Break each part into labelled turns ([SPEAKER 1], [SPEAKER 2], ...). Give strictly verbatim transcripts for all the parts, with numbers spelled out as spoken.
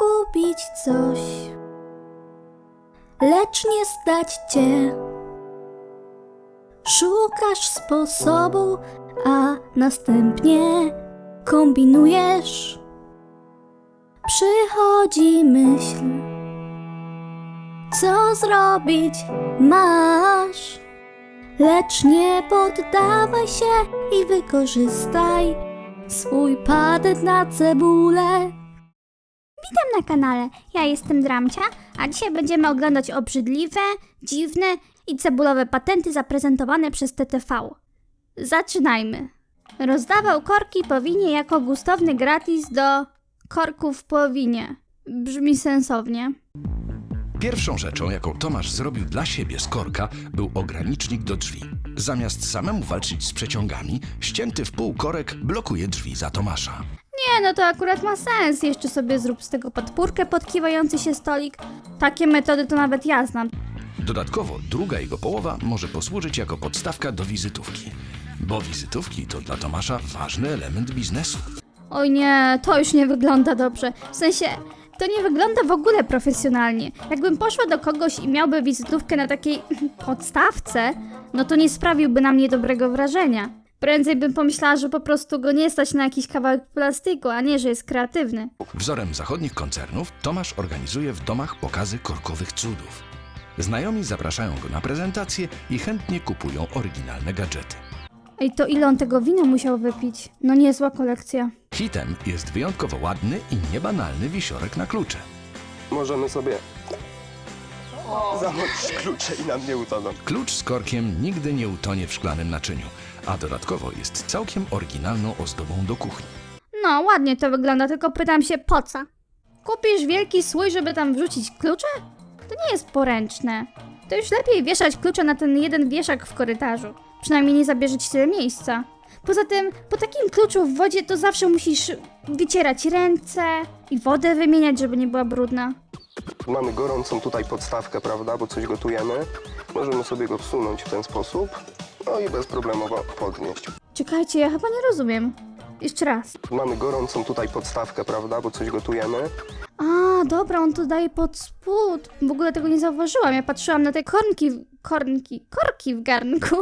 [SPEAKER 1] kupić coś, lecz nie stać cię. Szukasz sposobu, a następnie kombinujesz. Przychodzi myśl, co zrobić masz, lecz nie poddawaj się i wykorzystaj swój patent na cebulę.
[SPEAKER 2] Witam na kanale, ja jestem Dramcia, a dzisiaj będziemy oglądać obrzydliwe, dziwne i cebulowe patenty zaprezentowane przez T T V. Zaczynajmy. Rozdawał korki po winie jako gustowny gratis do korków po winie. Brzmi sensownie.
[SPEAKER 3] Pierwszą rzeczą, jaką Tomasz zrobił dla siebie z korka, był ogranicznik do drzwi. Zamiast samemu walczyć z przeciągami, ścięty w pół korek blokuje drzwi za Tomasza.
[SPEAKER 2] Nie, no to akurat ma sens. Jeszcze sobie zrób z tego podpórkę pod kiwający się stolik. Takie metody to nawet ja znam.
[SPEAKER 3] Dodatkowo druga jego połowa może posłużyć jako podstawka do wizytówki. Bo wizytówki to dla Tomasza ważny element biznesu.
[SPEAKER 2] Oj nie, to już nie wygląda dobrze. W sensie, to nie wygląda w ogóle profesjonalnie. Jakbym poszła do kogoś i miałby wizytówkę na takiej podstawce, no to nie sprawiłby na mnie dobrego wrażenia. Prędzej bym pomyślała, że po prostu go nie stać na jakiś kawałek plastiku, a nie, że jest kreatywny.
[SPEAKER 3] Wzorem zachodnich koncernów Tomasz organizuje w domach pokazy korkowych cudów. Znajomi zapraszają go na prezentacje i chętnie kupują oryginalne gadżety.
[SPEAKER 2] Ej, to ile on tego wina musiał wypić? No niezła kolekcja.
[SPEAKER 3] Hitem jest wyjątkowo ładny i niebanalny wisiorek na klucze.
[SPEAKER 4] Możemy sobie zamoczyć klucze i nam nie utoną.
[SPEAKER 3] Klucz z korkiem nigdy nie utonie w szklanym naczyniu, a dodatkowo jest całkiem oryginalną ozdobą do kuchni.
[SPEAKER 2] No, ładnie to wygląda, tylko pytam się po co? Kupisz wielki słój, żeby tam wrzucić klucze? To nie jest poręczne. To już lepiej wieszać klucze na ten jeden wieszak w korytarzu. Przynajmniej nie zabierze ci tyle miejsca. Poza tym, po takim kluczu w wodzie to zawsze musisz wycierać ręce i wodę wymieniać, żeby nie była brudna.
[SPEAKER 4] Mamy gorącą tutaj podstawkę, prawda, bo coś gotujemy. Możemy sobie go wsunąć w ten sposób, no i bezproblemowo podnieść.
[SPEAKER 2] Czekajcie, ja chyba nie rozumiem. Jeszcze raz.
[SPEAKER 4] Mamy gorącą tutaj podstawkę, prawda, bo coś gotujemy.
[SPEAKER 2] A, dobra, on to daje pod spód. W ogóle tego nie zauważyłam. Ja patrzyłam na te kornki, kornki, korki w garnku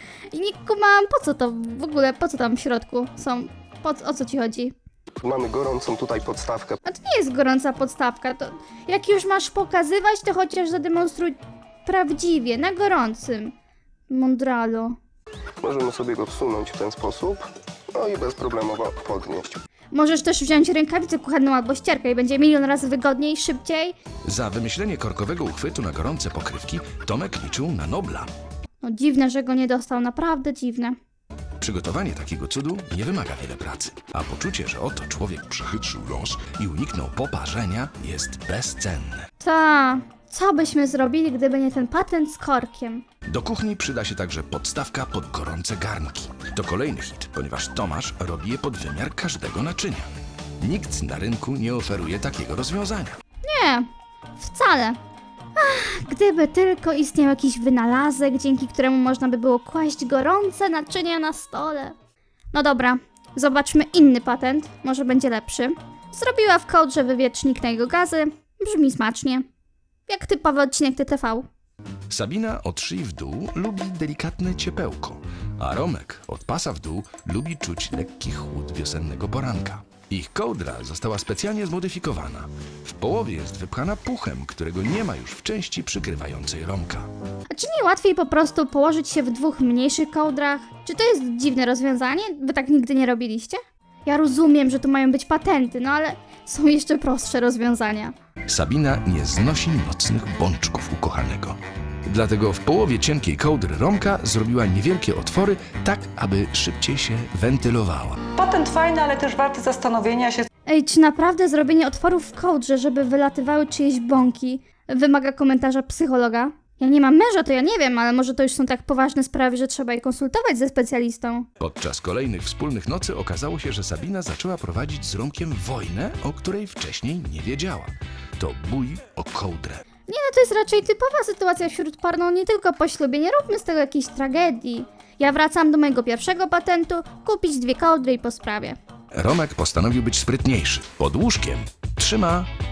[SPEAKER 2] i nie kumałam, po co to w ogóle, po co tam w środku są, po, o co ci chodzi?
[SPEAKER 4] Mamy gorącą tutaj podstawkę.
[SPEAKER 2] A to nie jest gorąca podstawka, to jak już masz pokazywać, to chociaż zademonstruj prawdziwie, na gorącym. Mondralo.
[SPEAKER 4] Możemy sobie go wsunąć w ten sposób, no i bezproblemowo podnieść.
[SPEAKER 2] Możesz też wziąć rękawicę kuchenną albo ścierkę i będzie milion razy wygodniej, szybciej.
[SPEAKER 3] Za wymyślenie korkowego uchwytu na gorące pokrywki Tomek liczył na Nobla.
[SPEAKER 2] No dziwne, że go nie dostał, naprawdę dziwne.
[SPEAKER 3] Przygotowanie takiego cudu nie wymaga wiele pracy, a poczucie, że oto człowiek przechytrzył los i uniknął poparzenia, jest bezcenne.
[SPEAKER 2] Ta, co byśmy zrobili, gdyby nie ten patent z korkiem?
[SPEAKER 3] Do kuchni przyda się także podstawka pod gorące garnki. To kolejny hit, ponieważ Tomasz robi je pod wymiar każdego naczynia. Nikt na rynku nie oferuje takiego rozwiązania.
[SPEAKER 2] Nie, wcale. Ach, gdyby tylko istniał jakiś wynalazek, dzięki któremu można by było kłaść gorące naczynia na stole. No dobra, zobaczmy inny patent, może będzie lepszy. Zrobiła w kołdrze wywiecznik na jego gazy, brzmi smacznie. Jak typowy odcinek T T V.
[SPEAKER 3] Sabina od szyi w dół lubi delikatne ciepełko, a Romek od pasa w dół lubi czuć lekki chłód wiosennego poranka. Ich kołdra została specjalnie zmodyfikowana. W połowie jest wypchana puchem, którego nie ma już w części przykrywającej Romka.
[SPEAKER 2] A czy nie łatwiej po prostu położyć się w dwóch mniejszych kołdrach? Czy to jest dziwne rozwiązanie? Wy tak nigdy nie robiliście? Ja rozumiem, że tu mają być patenty, no ale są jeszcze prostsze rozwiązania.
[SPEAKER 3] Sabina nie znosi nocnych bączków ukochanego. Dlatego w połowie cienkiej kołdry Romka zrobiła niewielkie otwory, tak aby szybciej się wentylowała.
[SPEAKER 5] Patent fajny, ale też warty zastanowienia się.
[SPEAKER 2] Ej, czy naprawdę zrobienie otworów w kołdrze, żeby wylatywały czyjeś bąki, wymaga komentarza psychologa? Ja nie mam męża, to ja nie wiem, ale może to już są tak poważne sprawy, że trzeba je konsultować ze specjalistą.
[SPEAKER 3] Podczas kolejnych wspólnych nocy okazało się, że Sabina zaczęła prowadzić z Romkiem wojnę, o której wcześniej nie wiedziała. To bój o kołdrę.
[SPEAKER 2] Nie no, to jest raczej typowa sytuacja wśród par, no nie tylko po ślubie, nie róbmy z tego jakiejś tragedii. Ja wracam do mojego pierwszego patentu, kupić dwie kołdry i po sprawie.
[SPEAKER 3] Romek postanowił być sprytniejszy. Pod łóżkiem trzyma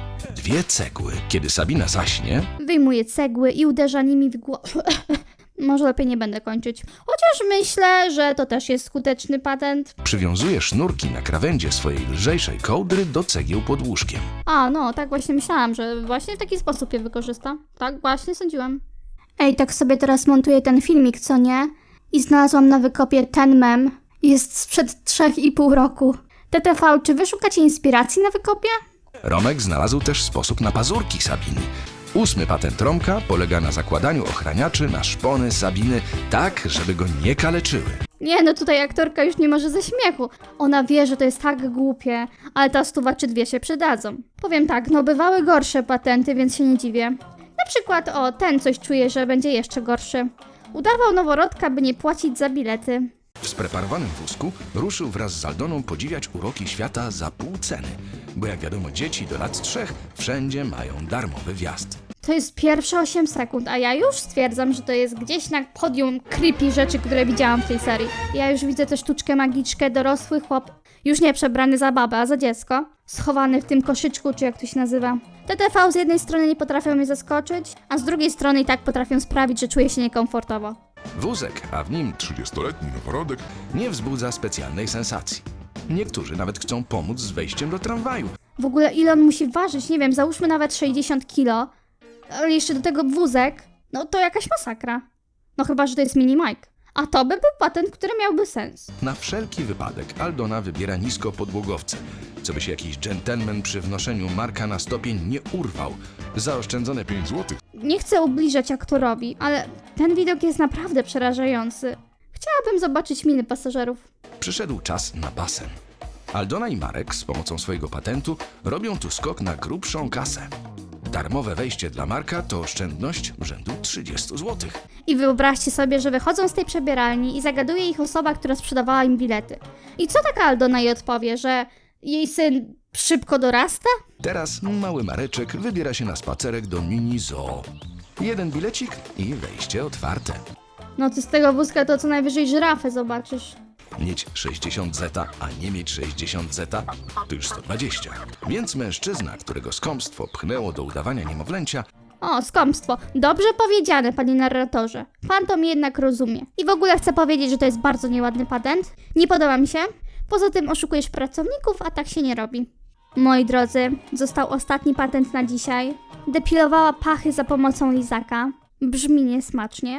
[SPEAKER 3] dwie cegły. Kiedy Sabina zaśnie,
[SPEAKER 2] Wyjmuję cegły i uderza nimi w głowę. Może lepiej nie będę kończyć. Chociaż myślę, że to też jest skuteczny patent.
[SPEAKER 3] przywiązuje sznurki na krawędzie swojej lżejszej kołdry do cegieł pod łóżkiem.
[SPEAKER 2] A, no, tak właśnie myślałam, że właśnie w taki sposób je wykorzysta. Tak właśnie sądziłam. Ej, tak sobie teraz montuję ten filmik, co nie? I znalazłam na wykopie ten mem. Jest sprzed trzech i pół roku. T T V, czy wy szukacie inspiracji na wykopie?
[SPEAKER 3] Romek znalazł też sposób na pazurki Sabiny. Ósmy patent Romka polega na zakładaniu ochraniaczy na szpony Sabiny tak, żeby go nie kaleczyły.
[SPEAKER 2] Nie, no tutaj aktorka już nie może ze śmiechu. Ona wie, że to jest tak głupie, ale ta stuwa czy dwie się przydadzą. Powiem tak, no bywały gorsze patenty, więc się nie dziwię. Na przykład, o, ten coś czuje, że będzie jeszcze gorszy. Udawał noworodka, by nie płacić za bilety.
[SPEAKER 3] W spreparowanym wózku ruszył wraz z Aldoną podziwiać uroki świata za pół ceny, bo jak wiadomo dzieci do lat trzech wszędzie mają darmowy wjazd.
[SPEAKER 2] To jest pierwsze osiem sekund, a ja już stwierdzam, że to jest gdzieś na podium creepy rzeczy, które widziałam w tej serii. Ja już widzę tę sztuczkę magiczkę, dorosły chłop, już nie przebrany za babę, a za dziecko, schowany w tym koszyczku, czy jak to się nazywa. T T V z jednej strony nie potrafią mnie zaskoczyć, a z drugiej strony i tak potrafią sprawić, że czuję się niekomfortowo.
[SPEAKER 3] Wózek, a w nim
[SPEAKER 6] trzydziestoletni noworodek
[SPEAKER 3] nie wzbudza specjalnej sensacji. Niektórzy nawet chcą pomóc z wejściem do tramwaju.
[SPEAKER 2] W ogóle ile on musi ważyć? Nie wiem, załóżmy nawet sześćdziesiąt kilo, ale jeszcze do tego wózek, no to jakaś masakra. No chyba, że to jest mini Mike. A to by był patent, który miałby sens.
[SPEAKER 3] Na wszelki wypadek Aldona wybiera nisko podłogowce, co by się jakiś dżentelmen przy wnoszeniu Marka na stopień nie urwał. Zaoszczędzone pięć złotych.
[SPEAKER 2] Nie chcę ubliżać aktorowi, ale ten widok jest naprawdę przerażający. Chciałabym zobaczyć miny pasażerów.
[SPEAKER 3] Przyszedł czas na basen. Aldona i Marek z pomocą swojego patentu robią tu skok na grubszą kasę. Darmowe wejście dla Marka to oszczędność rzędu trzydzieści złotych.
[SPEAKER 2] I wyobraźcie sobie, że wychodzą z tej przebieralni i zagaduje ich osoba, która sprzedawała im bilety. I co taka Aldona jej odpowie, że jej syn szybko dorasta?
[SPEAKER 3] Teraz mały Mareczek wybiera się na spacerek do mini zoo. Jeden bilecik i wejście otwarte.
[SPEAKER 2] No ty z tego wózka to co najwyżej żyrafę zobaczysz.
[SPEAKER 3] Mieć sześćdziesiąt zeta, a nie mieć sześćdziesiąt zeta, to już sto dwadzieścia. Więc mężczyzna, którego skąpstwo pchnęło do udawania niemowlęcia,
[SPEAKER 2] O, skąpstwo. Dobrze powiedziane, panie narratorze. Pan to mnie jednak rozumie. I w ogóle chcę powiedzieć, że to jest bardzo nieładny patent. Nie podoba mi się. Poza tym oszukujesz pracowników, a tak się nie robi. Moi drodzy, został ostatni patent na dzisiaj. Depilowała pachy za pomocą lizaka. Brzmi niesmacznie.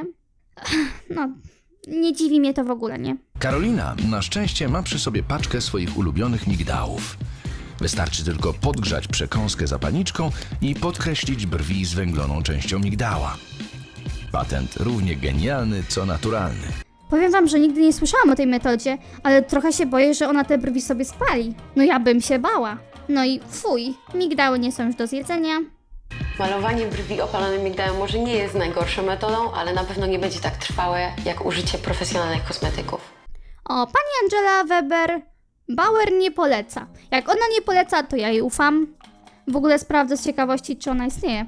[SPEAKER 2] No, nie dziwi mnie to w ogóle, nie?
[SPEAKER 3] Karolina na szczęście ma przy sobie paczkę swoich ulubionych migdałów. Wystarczy tylko podgrzać przekąskę zapalniczką i podkreślić brwi zwęgloną częścią migdała. Patent równie genialny, co naturalny.
[SPEAKER 2] Powiem wam, że nigdy nie słyszałam o tej metodzie, ale trochę się boję, że ona te brwi sobie spali. No ja bym się bała. No i fuj, migdały nie są już do zjedzenia.
[SPEAKER 7] Malowanie brwi opalonym migdałem może nie jest najgorszą metodą, ale na pewno nie będzie tak trwałe jak użycie profesjonalnych kosmetyków.
[SPEAKER 2] O, pani Angela Weber Bauer nie poleca. Jak ona nie poleca, to ja jej ufam. W ogóle sprawdzę z ciekawości, czy ona istnieje.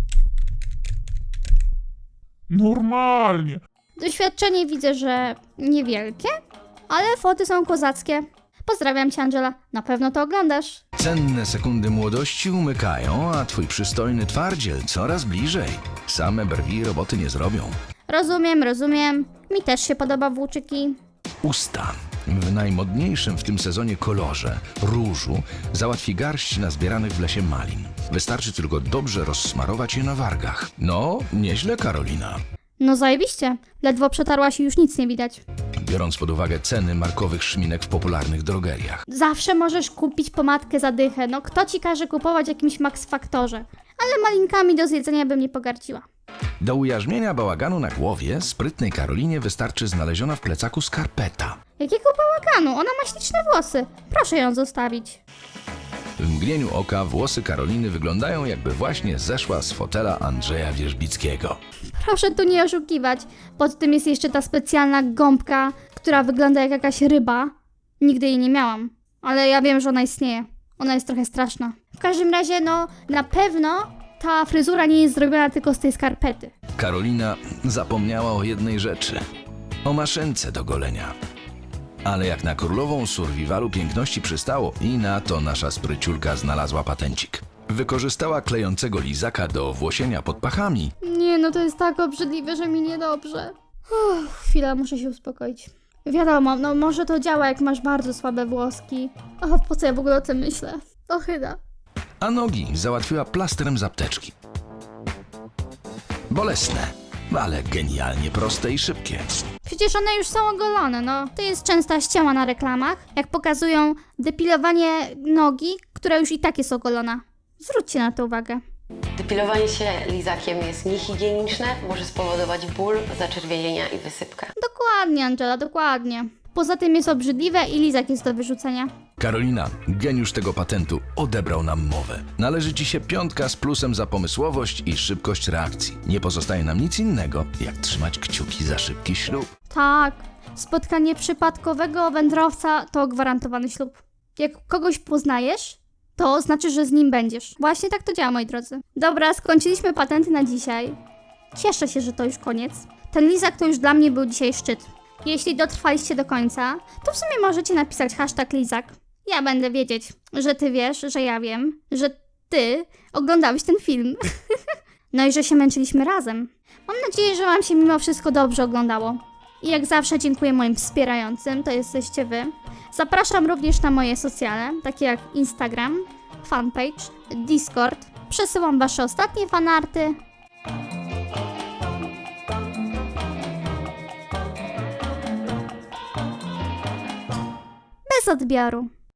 [SPEAKER 6] normalnie.
[SPEAKER 2] Doświadczenie widzę, że niewielkie, ale foty są kozackie. Pozdrawiam cię, Angela. Na pewno to oglądasz.
[SPEAKER 3] Cenne sekundy młodości umykają, a twój przystojny twardziel coraz bliżej. Same brwi roboty nie zrobią.
[SPEAKER 2] Rozumiem, rozumiem. Mi też się podoba włóczyki.
[SPEAKER 3] Usta. W najmodniejszym w tym sezonie kolorze, różu, załatwi garść nazbieranych w lesie malin. Wystarczy tylko dobrze rozsmarować je na wargach. No, nieźle, Karolina.
[SPEAKER 2] No zajebiście. Ledwo przetarłaś i już nic nie widać.
[SPEAKER 3] Biorąc pod uwagę ceny markowych szminek w popularnych drogeriach.
[SPEAKER 2] Zawsze możesz kupić pomadkę za dychę. No kto ci każe kupować w jakimś Max Factorze? Ale malinkami do zjedzenia bym nie pogardziła.
[SPEAKER 3] Do ujarzmienia bałaganu na głowie sprytnej Karolinie wystarczy znaleziona w plecaku skarpeta.
[SPEAKER 2] Jakiego bałaganu? Ona ma śliczne włosy. Proszę ją zostawić.
[SPEAKER 3] W mgnieniu oka włosy Karoliny wyglądają, jakby właśnie zeszła z fotela Andrzeja Wierzbickiego.
[SPEAKER 2] Proszę tu nie oszukiwać. Pod tym jest jeszcze ta specjalna gąbka, która wygląda jak jakaś ryba. Nigdy jej nie miałam, ale ja wiem, że ona istnieje. Ona jest trochę straszna. W każdym razie, no, na pewno ta fryzura nie jest zrobiona tylko z tej skarpety.
[SPEAKER 3] Karolina zapomniała o jednej rzeczy. O maszynce do golenia. Ale jak na królową survivalu piękności przystało i na to nasza spryciulka znalazła patencik. Wykorzystała klejącego lizaka do włosienia pod pachami.
[SPEAKER 2] Nie, no to jest tak obrzydliwe, że mi niedobrze. Uff, chwila, muszę się uspokoić. Wiadomo, no może to działa, jak masz bardzo słabe włoski. O, po co ja w ogóle o tym myślę? Ochyda.
[SPEAKER 3] A nogi załatwiła plastrem z apteczki. Bolesne, ale genialnie proste i szybkie.
[SPEAKER 2] Przecież one już są ogolone, no. To jest częsta ściema na reklamach, jak pokazują depilowanie nogi, która już i tak jest ogolona. Zwróćcie na to uwagę.
[SPEAKER 7] Depilowanie się lizakiem jest niehigieniczne, może spowodować ból, zaczerwienienia i wysypkę.
[SPEAKER 2] Dokładnie, Angela, dokładnie. Poza tym jest obrzydliwe i lizak jest do wyrzucenia.
[SPEAKER 3] Karolina, geniusz tego patentu, odebrał nam mowę. Należy ci się piątka z plusem za pomysłowość i szybkość reakcji. Nie pozostaje nam nic innego, jak trzymać kciuki za szybki ślub.
[SPEAKER 2] Tak, spotkanie przypadkowego wędrowca to gwarantowany ślub. Jak kogoś poznajesz, to znaczy, że z nim będziesz. Właśnie tak to działa, moi drodzy. Dobra, skończyliśmy patenty na dzisiaj. Cieszę się, że to już koniec. Ten lizak to już dla mnie był dzisiaj szczyt. Jeśli dotrwaliście do końca, to w sumie możecie napisać hashtag lizak. Ja będę wiedzieć, że ty wiesz, że ja wiem, że ty oglądałeś ten film. No i że się męczyliśmy razem. Mam nadzieję, że wam się mimo wszystko dobrze oglądało. I jak zawsze dziękuję moim wspierającym, to jesteście wy. Zapraszam również na moje socjale, takie jak Instagram, fanpage, Discord. Przesyłam wasze ostatnie fanarty. Bez odbioru.